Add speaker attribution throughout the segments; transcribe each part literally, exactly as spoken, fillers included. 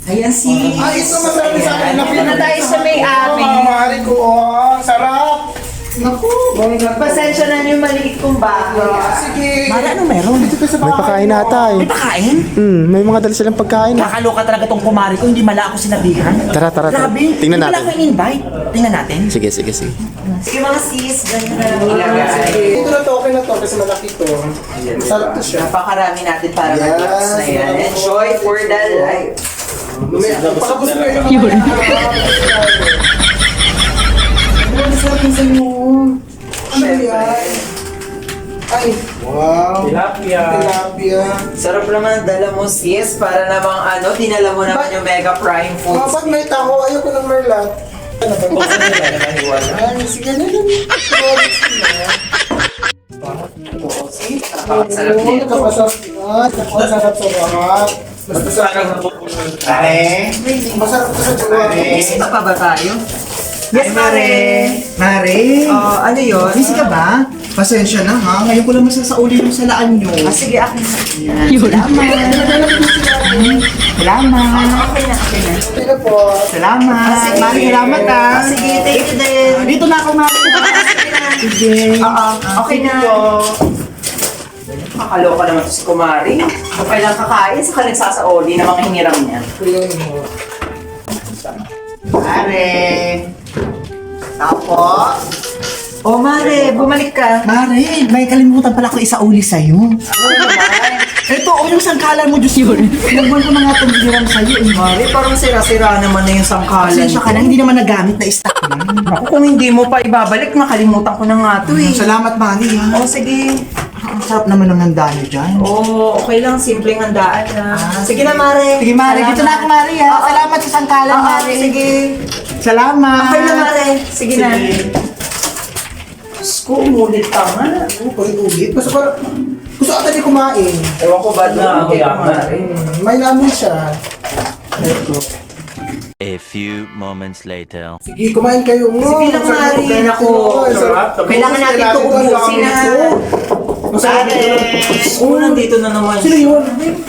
Speaker 1: Ayan si...
Speaker 2: Ay, ito masabi sa akin.
Speaker 1: Ayan. Ito na tayo sa may-ari.
Speaker 2: Oh, maaari ko. Oh, sarap. Naku, bongga.
Speaker 1: Pasensya na yung maliit kong bahay.
Speaker 2: Sige.
Speaker 3: Mara, ano meron?
Speaker 2: Dito ka sa
Speaker 4: May pakain ata eh.
Speaker 3: May pakain?
Speaker 4: Hmm, may mga dala silang pagkain.
Speaker 3: Nakaloka talaga tong kumari ko, hindi mala ako sinabihan.
Speaker 4: Tara, tara, tara.
Speaker 3: Grabe,
Speaker 4: Tingnan
Speaker 3: hindi
Speaker 4: natin.
Speaker 3: pala ako in-invite. Tingnan natin.
Speaker 4: Sige, sige, sige.
Speaker 1: Sige mga sis, ganyan na lang ilagay.
Speaker 2: Ito na to, okay na to kasi malaki to. Masarap to siya.
Speaker 1: Napakarami natin para
Speaker 2: Yes.
Speaker 1: mag-relax na yan. Enjoy for the life.
Speaker 2: Pagkabos ko yung Ano sa akin sa inyo? Ano yan? Ay, wow.
Speaker 5: Tilapia.
Speaker 2: Tilapia.
Speaker 1: Sarap naman dala mo sis, para namang ano, dinala mo naman
Speaker 2: Ba-
Speaker 1: yung Mega Prime
Speaker 2: Oh,
Speaker 1: Foods.
Speaker 2: pag may taho, ayoko ng merlat. Ano ba?
Speaker 5: Kung ano ba naman iwala?
Speaker 2: Ay, sige na lang.
Speaker 1: Napakasarap
Speaker 2: Oo,
Speaker 1: nito.
Speaker 2: nakapasarap. Ah, napakasarap sa bahat. Basta sa akin.
Speaker 3: Pare.
Speaker 2: Masarap to sa buwan.
Speaker 1: Busy pa pa ba tayo?
Speaker 3: Yes, Mare. Mare.
Speaker 1: Oh, ano yun?
Speaker 3: Busy ka ba? Pasensya na ha. Ngayon ko lang masasauli yung salaan nyo.
Speaker 1: Ah, sige, akin na.
Speaker 3: Salamat. Salamat.
Speaker 1: Okay na, okay na.
Speaker 2: Okay na po.
Speaker 3: Salamat.
Speaker 1: Ah, sige.
Speaker 3: Mare, salamat ha.
Speaker 1: Ah, sige, thank you din.
Speaker 3: Dito na ako, Mare. Sige.
Speaker 1: Oo, okay na. Kakaloka naman to si Kumari. Kung kailang kakain, saka nagsasaoli na mga hiniram niya.
Speaker 2: Kuyain mo.
Speaker 3: Mare. Tapos.
Speaker 1: Oh, Mare, bumalik ka.
Speaker 3: Mare, may kalimutan pala ko isauli sa'yo.
Speaker 1: Ano naman?
Speaker 3: Ito, o yung sangkalan mo, Diyos yun. Nagbuwan ko na nga itong biniram sa'yo. Eh.
Speaker 1: Mare, parang sira-sira naman na yung sangkalan.
Speaker 3: Pasensya ka na, hindi naman nagamit na stock lang.
Speaker 1: Ako, kung hindi mo pa ibabalik, makalimutan ko na nga to eh.
Speaker 3: Salamat, Mare. Ha?
Speaker 1: Oh, sige.
Speaker 3: Ang sarap naman ng handa niyo dyan.
Speaker 1: Oh, okay lang. Simpleng handaan na. Sige na, Mare.
Speaker 3: Sige, Mare. Dito na ako, Mare. Ha?
Speaker 1: Oo.
Speaker 3: Salamat sa sangkalan,
Speaker 1: Oo,
Speaker 3: Mare.
Speaker 1: sige.
Speaker 3: Salamat.
Speaker 1: Okay na, Mare. Sige, na. Diyos ko, umulit ka nga.
Speaker 2: Oo, ulit. Gusto ko, gusto ata di kumain.
Speaker 1: Ewan ko ba
Speaker 5: Na,
Speaker 1: doon?
Speaker 5: kuya,
Speaker 1: Mare.
Speaker 2: Hmm, may lamin siya. Ito.
Speaker 6: A few moments later.
Speaker 2: Sige, kumain kayo mo.
Speaker 1: Sige lang, Mare. Ako. Kailangan natin ito ubusin na.
Speaker 2: Masarap ito.
Speaker 1: Oh, nandito na naman.
Speaker 2: Sino yun?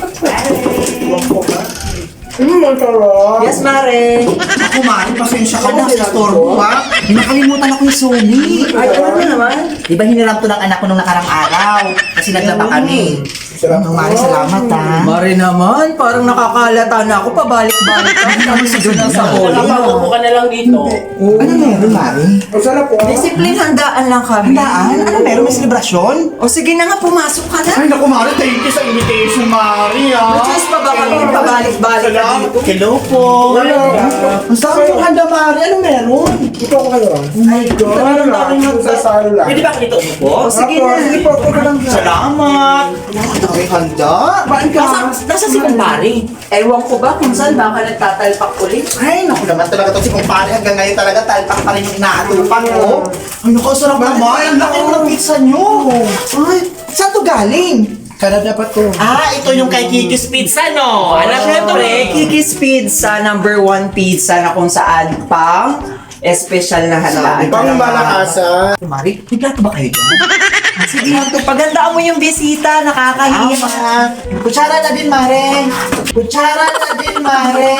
Speaker 2: Iwan ko ba? Hmm, masarap.
Speaker 1: Yes, Mare.
Speaker 3: Ako, Mare. Pasensya ka na
Speaker 2: Ako,
Speaker 3: sa store ko, ha? Eh, nakalimutan ako yung Sony.
Speaker 1: Ay, ano na naman?
Speaker 3: Di ba hiniram to ng anak ko nung nakarang araw? Kasi naglaba kami.
Speaker 2: Sarap.
Speaker 3: Ang Mare, salamat, ha?
Speaker 1: Mare naman, parang nakakalata na ako, pabalik-balik ka. Tapos ito na sa huli.
Speaker 5: Nakapaupo ka na lang dito.
Speaker 3: Ano meron, Mare?
Speaker 2: Ang sarap po.
Speaker 1: Discipline, handaan lang kami.
Speaker 3: Handaan? Ano meron? May selebrasyon?
Speaker 1: O sige na nga, pumasok ka na.
Speaker 3: Ay, naku, Mare. Thank you sa invitation, Mare, ha?
Speaker 1: May choice pa ba kami? Pabalik-balik ka dito.
Speaker 3: Hello po. Ang sarap yung handa, Mare. Ano meron?
Speaker 2: Ito ako kayo. Oh my God.
Speaker 1: Ano na rin yung-
Speaker 2: Sa sala.
Speaker 3: Pwede ba ako dito umupo?
Speaker 1: O sige na.
Speaker 2: Sige po, ito ka lang dyan.
Speaker 3: Salamat. Ang dami handa.
Speaker 2: Kumain ka.
Speaker 3: Nasa, nasa si Kumpare?
Speaker 1: Ewan ko ba kung saan baka nagtatalpak ulit?
Speaker 3: Ay, naku naman talaga to si Kumpare. Hanggang ngayon talaga talpak pa rin yung inaatupan ko. Ay, naku, sarap naman. Ang laki ng pizza nyo. Ay, saan to galing?
Speaker 2: Kada dapat ko.
Speaker 3: Ah, ito yung kay Kiki's Pizza, no? Alam niyo to
Speaker 1: Siyempre,
Speaker 3: eh.
Speaker 1: Kiki's Pizza, number one pizza na kung saan pang espesyal na handaan.
Speaker 2: Pang malakasan.
Speaker 3: Mari, may plato ba kayo dyan?
Speaker 1: Sige, pagandaan mo yung bisita, nakakahiya.
Speaker 3: Tama. Kutsara na din, Mare. Kutsara na din, Mare.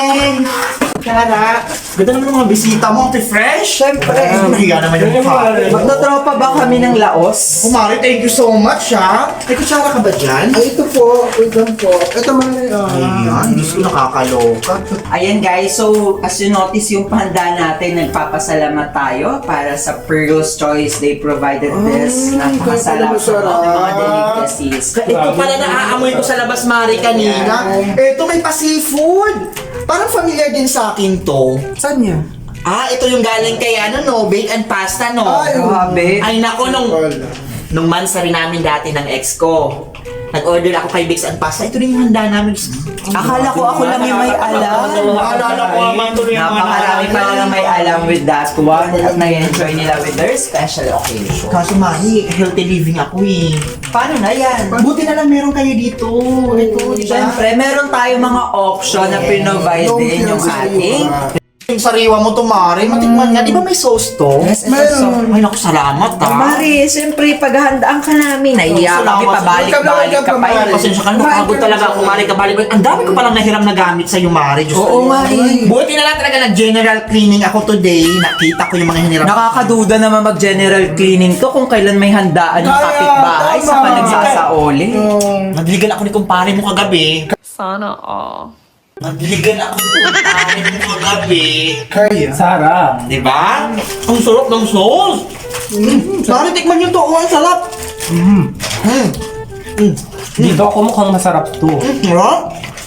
Speaker 3: Kutsara. Ganda naman ng mga bisita mo, ate fresh.
Speaker 1: Siyempre.
Speaker 3: Ay, nahiya naman yung mukha.
Speaker 1: Magtotropa ba kami ng Laos?
Speaker 3: Oh, Mare, thank you so much, ha. May kutsara ka ba dyan?
Speaker 2: Ay, ito po. Wait lang po. Ito man na yan.
Speaker 3: Ayan, Diyos ko nakakaloka.
Speaker 1: Ayan guys, so as you notice yung pahanda natin, nagpapasalamat tayo para sa Pearl's Choice. They provided this.
Speaker 2: Ay,
Speaker 1: Napakasarap
Speaker 2: kaya pala masarap.
Speaker 1: ng mga delicacies.
Speaker 3: Ito pala naaamoy ko sa labas, Mare, kanina. Ito may pa-seafood. Parang familiar din sa akin to.
Speaker 2: Saan niya?
Speaker 3: Ah, ito yung galing kay ano, no? Bake and pasta, no?
Speaker 2: Ay,
Speaker 1: Grabe.
Speaker 3: Ay, nako, nung,
Speaker 2: Wala.
Speaker 3: nung mansari namin dati ng ex ko, nag-order ako kay Bakes and Pasta. Ito rin yung handa namin.
Speaker 1: Akala ko ako lang yung may alam.
Speaker 3: Naalala ko naman tuloy yung
Speaker 1: Napakarami pala na may alam with that one at nag-enjoy nila with their special occasion.
Speaker 3: Kaso, Mari, healthy living ako eh.
Speaker 1: Paano na yan?
Speaker 3: Buti na lang meron kayo dito. Ito, di ba?
Speaker 1: Siyempre, meron tayo mga option na pinrovide din yung ating
Speaker 3: Yung sariwa mo to, Mari, matikman nga. Di ba may sauce to?
Speaker 1: Yes, ito
Speaker 2: Meron.
Speaker 3: Ay, naku, salamat
Speaker 1: Ah,
Speaker 3: ha.
Speaker 1: Mari, siyempre, paghahandaan ka namin. Nahiya
Speaker 3: Oh,
Speaker 1: kami,
Speaker 3: salamat.
Speaker 1: pabalik-balik ka pa
Speaker 2: Welcome,
Speaker 1: yun.
Speaker 3: Pasensya ka na, napagod talaga ako, Mari, kabalik. Ang dami ko palang nahiram na gamit sa'yo, Mari. Diyos
Speaker 1: Oo,
Speaker 3: ko.
Speaker 1: Mari.
Speaker 3: Buti na lang talaga nag-general cleaning ako today. Nakita ko yung mga hiniram.
Speaker 1: Nakakaduda naman mag-general cleaning to kung kailan may handaan yung
Speaker 2: Kaya,
Speaker 1: kapitbahay sa
Speaker 2: tama.
Speaker 1: panagsasaoli.
Speaker 3: Nadiligan ako ni kumpare mo kagabi.
Speaker 7: Sana all.
Speaker 3: Nadiligan ako ni kumpare mo kagabi.
Speaker 2: Kaya.
Speaker 5: Sarap.
Speaker 3: Di ba? Ang sarap ng sauce. Mm. Mari, tikman nyo to. Oh, ang sarap. Mm. Mm. Mm.
Speaker 5: Dito ako mukhang masarap to.
Speaker 3: Mm. Sarap.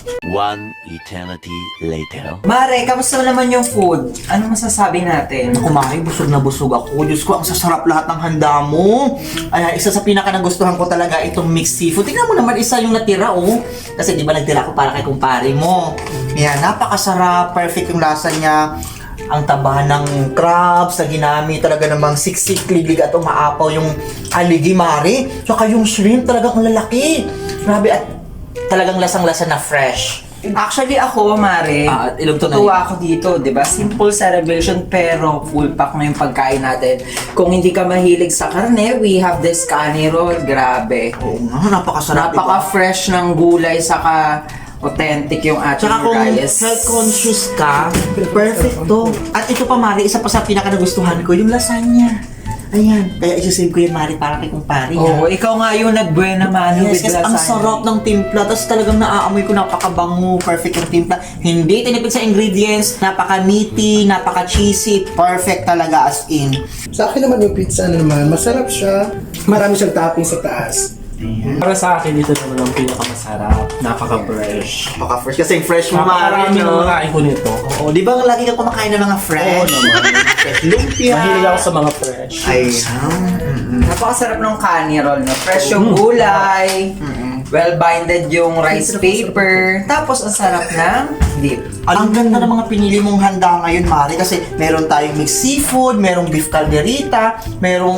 Speaker 6: One eternity later.
Speaker 1: Mare, kamusta naman yung food? Ano masasabi natin?
Speaker 3: Ako, Mari, busog na busog ako. Diyos ko, ang sasarap lahat ng handa mo. Ay, isa sa pinaka nagustuhan ko talaga itong mixed seafood. Tingnan mo naman, isa yung natira, oh. Kasi di ba nagtira ko para kay kumpare mo. Yan, napakasarap. Perfect yung lasa niya. Ang taba ng crabs na ginamit, talaga namang siksik, libig at umaapaw yung aligi, Mari. Tsaka yung shrimp, talagang ang lalaki. Grabe, at talagang lasang-lasa na fresh.
Speaker 1: Actually ako, Mare,
Speaker 3: Ah, at ilog to na
Speaker 1: tuwa ako dito, di ba? Simple celebration pero full pack na yung pagkain natin. Kung hindi ka mahilig sa karne, we have this kani roll. Grabe.
Speaker 3: Oo nga, napakasarap. diba?
Speaker 1: Napaka-fresh ng gulay, saka authentic yung ating
Speaker 3: Tsaka kung
Speaker 1: rice.
Speaker 3: health conscious ka, perfect to. At ito pa, Mari, isa pa sa pinaka nagustuhan ko, yung lasagna. Ayan, kaya isasave ko yan, Mari, para kay kumpare.
Speaker 1: Oo, ikaw nga yung nagbuena mano
Speaker 3: Yes,
Speaker 1: with
Speaker 3: kasi ang
Speaker 1: lasagna.
Speaker 3: sarap ng timpla. Tapos talagang naaamoy ko, napakabango, perfect yung timpla. Hindi tinipid sa ingredients, napaka-meaty, napaka-cheesy, perfect talaga as in.
Speaker 2: Sa akin naman yung pizza na naman, masarap siya. Marami siyang topping sa taas.
Speaker 5: Para sa akin, dito naman ang pinakamasarap. Napaka-fresh.
Speaker 3: Napaka-fresh. Kasi fresh mo, Mari,
Speaker 5: Napakarami ng
Speaker 3: no?
Speaker 5: mga ko nito.
Speaker 3: Oo, di ba lagi ka kumakain ng mga fresh?
Speaker 5: Oo naman.
Speaker 3: Fresh lumpia.
Speaker 5: Mahilig ako sa mga fresh.
Speaker 3: Ayan.
Speaker 1: Napakasarap ng kani roll, no? Fresh yung gulay, well-binded yung rice paper, tapos ang sarap ng dip.
Speaker 3: Ang ganda ng mga pinili mong handa ngayon, Mari, kasi meron tayong mixed seafood, merong beef calderita, merong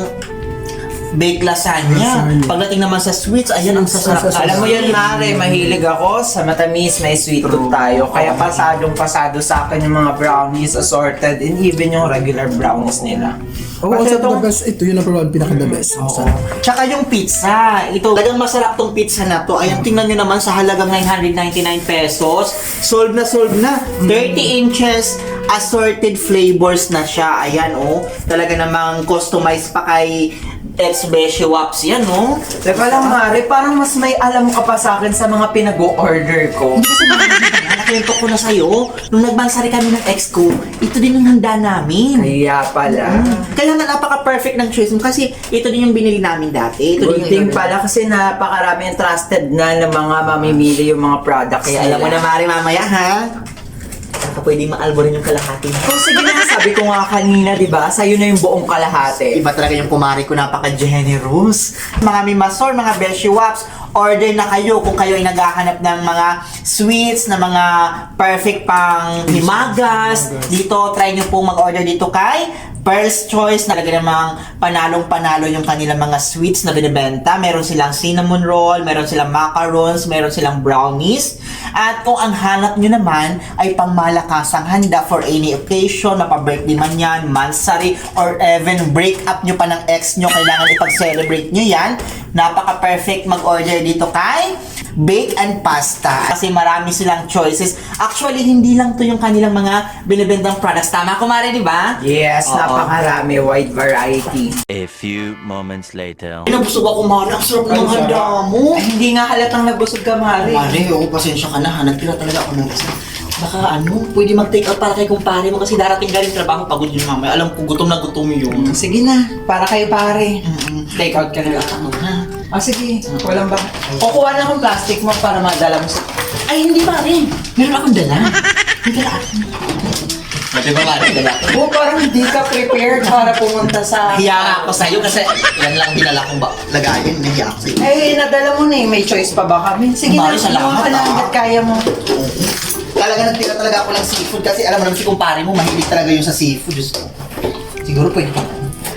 Speaker 3: baked lasagna. Pagdating naman sa sweets, ayan ang sasarap.
Speaker 1: Alam mo yan, Mare, mahilig ako sa matamis, may sweet tooth tayo. Kaya pasadong pasado sa akin yung mga brownies assorted and even yung regular brownies nila.
Speaker 2: Oo, oh, sa the best, ito yun ang probably pinaka-the best.
Speaker 3: Oo. Tsaka yung pizza, ito, talagang masarap tong pizza na to. Ayan, tingnan nyo naman sa halagang nine hundred ninety-nine pesos. Solve na solve na. thirty inches, assorted flavors na siya. Ayan, oh. Talaga namang customized pa kay ex-Beshi Waps yan, oh.
Speaker 1: Teka lang, Mare, parang mas may alam ka pa sa akin sa mga pinag-o-order ko.
Speaker 3: Hindi kasi nakakita, nakwento ko na sa'yo. Nung nagbansari kami ng ex ko, ito din ang handa namin.
Speaker 1: Kaya pala.
Speaker 3: Kaya nga napaka-perfect ng choice mo kasi ito din yung binili namin dati. Ito din
Speaker 1: Good
Speaker 3: yung
Speaker 1: thing pala kasi napakarami yung trusted na ng mga mamimili yung mga products
Speaker 3: Kaya alam mo na,
Speaker 1: nila.
Speaker 3: Mari, mamaya ha. Baka pwede maalbo rin yung kalahati.
Speaker 1: Kung sige na, sabi ko nga kanina, di ba? Sa'yo na yung buong kalahati.
Speaker 3: Iba talaga yung kumari ko, napaka-generous. Mga mimasor, mga Beshi Waps, order na kayo kung kayo ay naghahanap ng mga sweets, na mga perfect pang himagas. Dito, try nyo pong mag-order dito kay Pearl's Choice. Talaga namang panalong-panalo yung kanilang mga sweets na binibenta. Meron silang cinnamon roll, meron silang macarons, meron silang brownies. At kung ang hanap nyo naman ay pangmalakasang handa for any occasion, mapa-birthday man yan, mansari, or even break up nyo pa ng ex nyo, kailangan ipag-celebrate nyo yan. Napaka-perfect mag-order dito kay Bake and Pasta. Kasi marami silang choices. Actually, hindi lang to yung kanilang mga binibendang products. Tama, kumare, di ba?
Speaker 1: Yes,
Speaker 3: Oo.
Speaker 1: napakarami, wide variety.
Speaker 6: A few moments later.
Speaker 3: Pinabusog ako, Mari. Ang sarap ng handa mo.
Speaker 1: Ay, hindi nga halatang nabusog ka, Mari.
Speaker 3: Mari, oo, pasensya ka na ha. Nagtira talaga ako ng isa. Baka ano, pwede mag-take out para kay kumpare mo kasi darating galing trabaho, pagod yun mamaya. Alam ko, gutom na gutom yun.
Speaker 1: Sige na, para kay pare.
Speaker 3: Mm-mm.
Speaker 1: Take out ka na lang.
Speaker 3: Ano ha?
Speaker 1: Ah, sige. Walang ba? Kukuha na akong plastic mo para madala mo sa...
Speaker 3: Ay, hindi Mari. Meron akong dala. May dala ako. Pwede ba Mari, dala ako?
Speaker 1: Oh, parang hindi ka prepared para pumunta sa...
Speaker 3: Hiya nga ako sa'yo kasi yan lang dinala kong ba lagayin. Nahiya ako sa'yo.
Speaker 1: Eh, nadala mo na eh. May choice pa ba kami? Sige na,
Speaker 3: Mari, salamat,
Speaker 1: kumuha ka na
Speaker 3: ah.
Speaker 1: hanggat kaya mo.
Speaker 3: Talaga nagtira talaga ako ng seafood kasi alam mo naman si kumpare mo, mahilig talaga yun sa seafood. Diyos ko. Siguro pwede pa.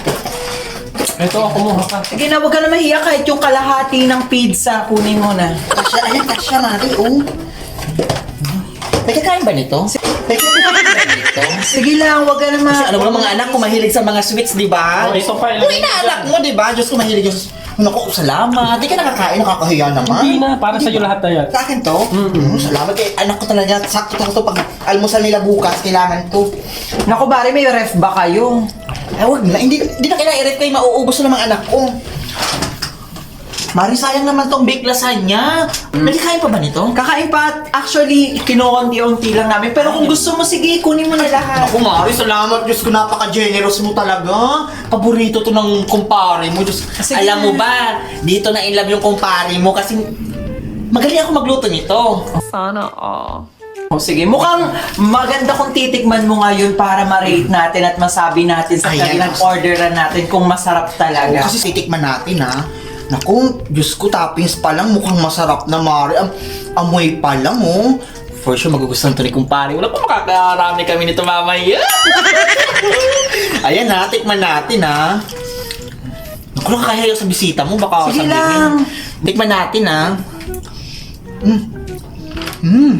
Speaker 5: Ito, ako kumuha ka.
Speaker 1: Sige na, huwag ka na mahiya kahit yung kalahati ng pizza. Kunin mo na.
Speaker 3: Kasya, ayan, kasya Mari, oh. May kakain ba nito? May kakain ba nito? ito.
Speaker 1: Sige lang, wag ka naman.
Speaker 3: Kasi alam mo lang mga anak ko mahilig sa mga sweets, di ba?
Speaker 5: Oh, ito pa,
Speaker 3: Yung inaanak mo, di ba? Diyos ko mahilig yung... Naku, salamat. Di ka nakakain, nakakahiya naman.
Speaker 5: Hindi na, para sa'yo lahat na yan.
Speaker 3: Sa akin to? Mm-hmm. Salamat kay anak ko talaga. Sakto-sakto pag almusal nila bukas, kailangan to.
Speaker 1: Naku, bari may ref ba kayo?
Speaker 3: Ay, wag na. Hindi, hindi na kailangan i-ref kayo. Mauubos na ng mga anak ko. Mari, sayang naman tong baked lasagna. Nagkakain pa ba nito?
Speaker 1: Kakain pa, at actually, kinukunti-unti lang namin. Pero kung gusto mo, sige, kunin mo na lahat.
Speaker 3: Ako, Mari, salamat. Diyos ko, napaka-generous mo talaga. Paborito to ng kumpare mo. Diyos,
Speaker 1: Sige
Speaker 3: alam mo
Speaker 1: na.
Speaker 3: ba, dito na in love yung kumpare mo kasi magaling ako magluto nito.
Speaker 1: O sige, mukhang maganda kung titikman mo ngayon para ma-rate natin at masabi natin sa
Speaker 3: Ayan.
Speaker 1: kanilang orderan natin kung masarap talaga.
Speaker 3: Kasi titikman natin, ha. Naku, Diyos ko, toppings pa lang, mukhang masarap na, Mari. Am amoy pa lang, oh. For sure, magugustuhan to ni kumpare. Wala pa makakarami kami nito mamaya. Ayan, ha. Tikman natin, ha. Naku, nakakahiya sa bisita mo. Baka
Speaker 1: Sige
Speaker 3: sabihin.
Speaker 1: lang.
Speaker 3: Tikman natin, ha. Mm. Mm.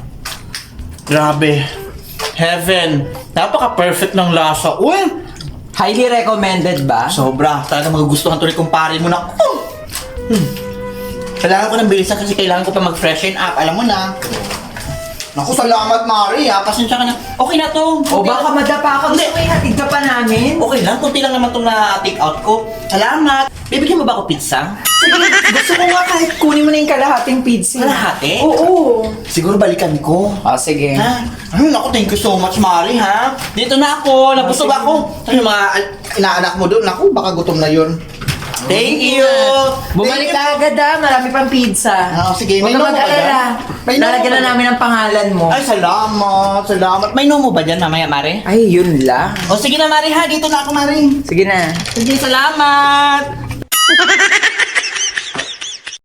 Speaker 3: Grabe. Heaven. Napaka-perfect ng lasa. Uy!
Speaker 1: Highly recommended ba?
Speaker 3: Sobra. Talaga magugustuhan to ni kumpare mo na. Oh! Hmm. Kailangan ko ng bilisan kasi kailangan ko pa mag-freshen up. Alam mo na. Naku, salamat, Mari, ha. Pasensya ka na. Okay na to.
Speaker 1: O baka madapa ka, gusto mo ihatid ka pa namin?
Speaker 3: Okay lang. Kunti lang naman itong na-take out ko. Salamat. Bibigyan mo ba ako pizza?
Speaker 1: Sige, gusto ko nga kahit kunin mo na yung kalahating pizza.
Speaker 3: Kalahati?
Speaker 1: Oo.
Speaker 3: Siguro balikan ko.
Speaker 1: O sige.
Speaker 3: Ha? Ay, naku, thank you so much, Mari, ha? Dito na ako. Nabusog ako. Ano yung mga an- inaanak mo doon? Naku, baka gutom na yun. Thank you!
Speaker 1: Bumalik
Speaker 3: Thank you.
Speaker 1: ka agad ah, marami pang pizza.
Speaker 3: Ah, sige,
Speaker 1: Huwag
Speaker 3: may
Speaker 1: ka
Speaker 3: nomo ba
Speaker 1: mag-alala.
Speaker 3: dyan? May nomo
Speaker 1: Lalagyan
Speaker 3: ba
Speaker 1: na
Speaker 3: dyan?
Speaker 1: namin ang pangalan mo.
Speaker 3: Ay, salamat. Salamat. May nomo ba dyan mamaya, Mari?
Speaker 1: Ay, yun lang.
Speaker 3: O sige na, Mari, ha? Dito na ako, Mari.
Speaker 1: Sige na.
Speaker 3: Sige, salamat.